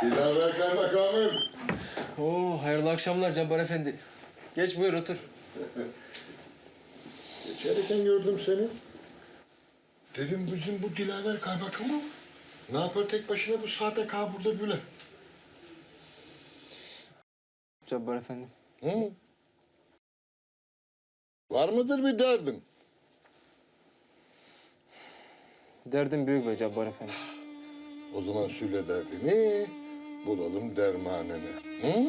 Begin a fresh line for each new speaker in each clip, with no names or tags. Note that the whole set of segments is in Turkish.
Dilaver kaymakamım.
Oo, hayırlı akşamlar Cabbar Efendi. Geç buyur otur.
Geçerken gördüm seni. Dedim bizim bu Dilaver kaymakamı ne yapar tek başına bu saate kal burada böyle?
Cabbar Efendi.
Hı? Var mıdır bir derdin?
Derdim büyük be Cabbar Efendi.
O zaman söyle derdini, bulalım dermanını. Hı?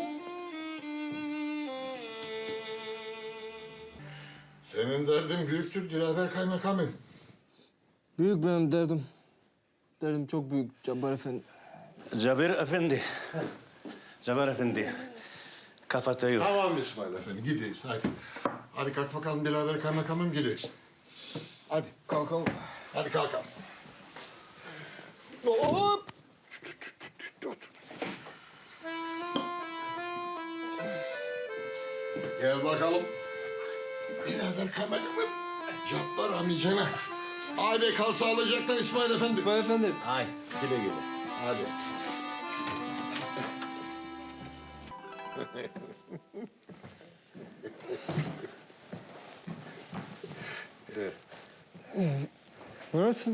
Senin derdin büyüktür Dilaver kaymakamım.
Büyük benim derdim. Derdim çok büyük Cabbar Efendi.
Cabir Efendi. Cabir Efendi. Kapatıyor.
Tamam İsmail Efendi, gideyiz hadi. Hadi kalk bakalım Dilaver kaymakamım, gideyiz. Hadi.
Kalkalım.
Hadi kalkalım. Hop! Otur. Gel bakalım. Birader kameramı. Cabbar amcana. Hadi kal sağlıcakla İsmail Efendi.
İsmail Efendi.
Ay, güle güle.
Hadi.
Burası...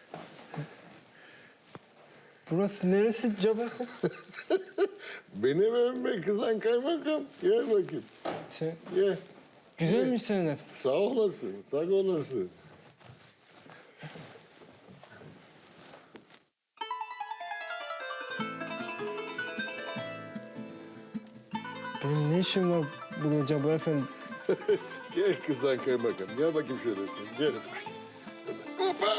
Burası neresi Cabbar Efendi?
Benim evime kızan kaymakam. Gel bakayım.
Sen...
Gel.
Güzelmiş senin ev.
Sağ olasın, sağ olasın.
Benim ne işim var burada Cabbar Efendi?
Gel kızan kaymakam. Gel bakayım şöyle sen. Gel. Hoppa!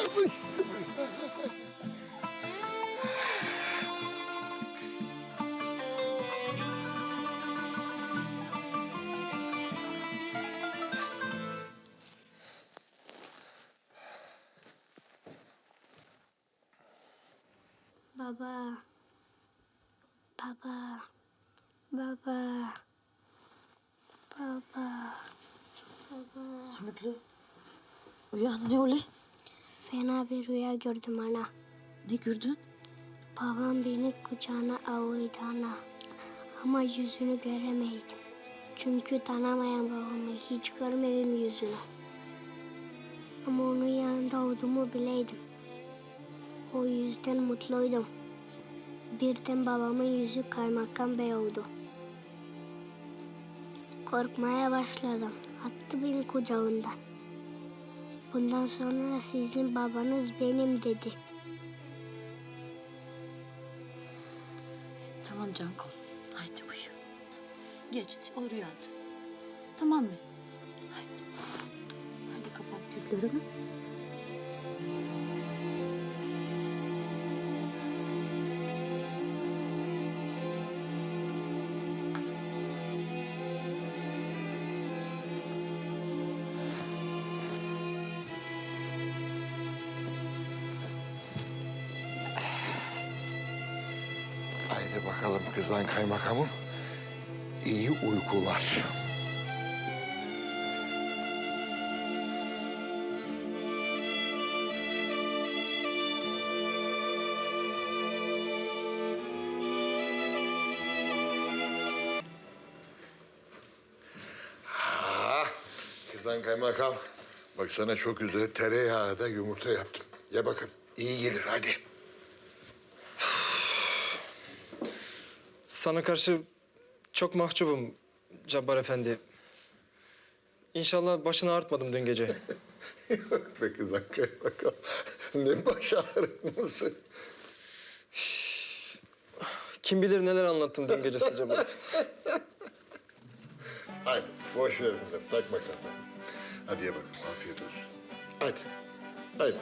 Baba. Baba. Baba. Baba. Baba.
Sümüklü. Uyan ne öyle?
Fena bir rüya gördüm ana.
Ne gördün?
Babam beni kucağına alıyordu ana. Ama yüzünü göremeydim. Çünkü tanımayan babamı hiç görmedim yüzünü. Ama onun yanında olduğumu bileydim. O yüzden mutluydum. Birden babamın yüzü kaymakam bey oldu. Korkmaya başladım. Attı beni kucağından. Bundan sonra sizin babanız benim dedi.
Tamam Canko. Haydi uyu. Geçti o rüyada. Tamam mı? Haydi. Hadi kapat gözlerini.
Haydi bakalım kızan kaymakamım. İyi uykular. Kızan kaymakam. Bak sana çok güzel tereyağında yumurta yaptım. Ye bakın. İyi gelir hadi.
Sana karşı çok mahcubum Cabbar Efendi. İnşallah başını ağrıtmadım dün gece.
Yok be kızan kaymakam. Ne baş ağrıtması.
Kim bilir neler anlattım dün gecesi Cabbar Efendi.
Hadi boş ver bunları. Takma kafana. Hadi ye bakalım. Afiyet olsun. Hadi. Hadi.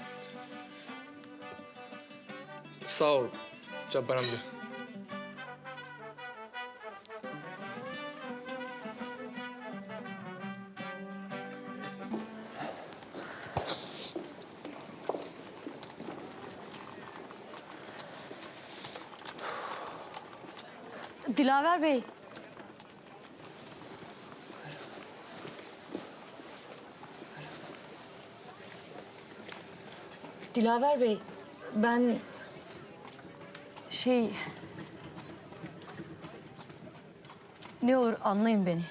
Sağ ol Cabbar amca.
Dilaver Bey. Dilaver Bey, ben Ne olur anlayın beni.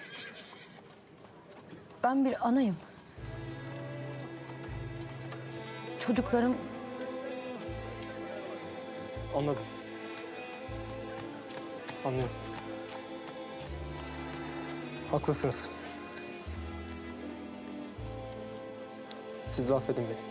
Ben bir anayım. Çocuklarım
Anladım. Anlıyorum. Haklısınız. Siz de affedin beni.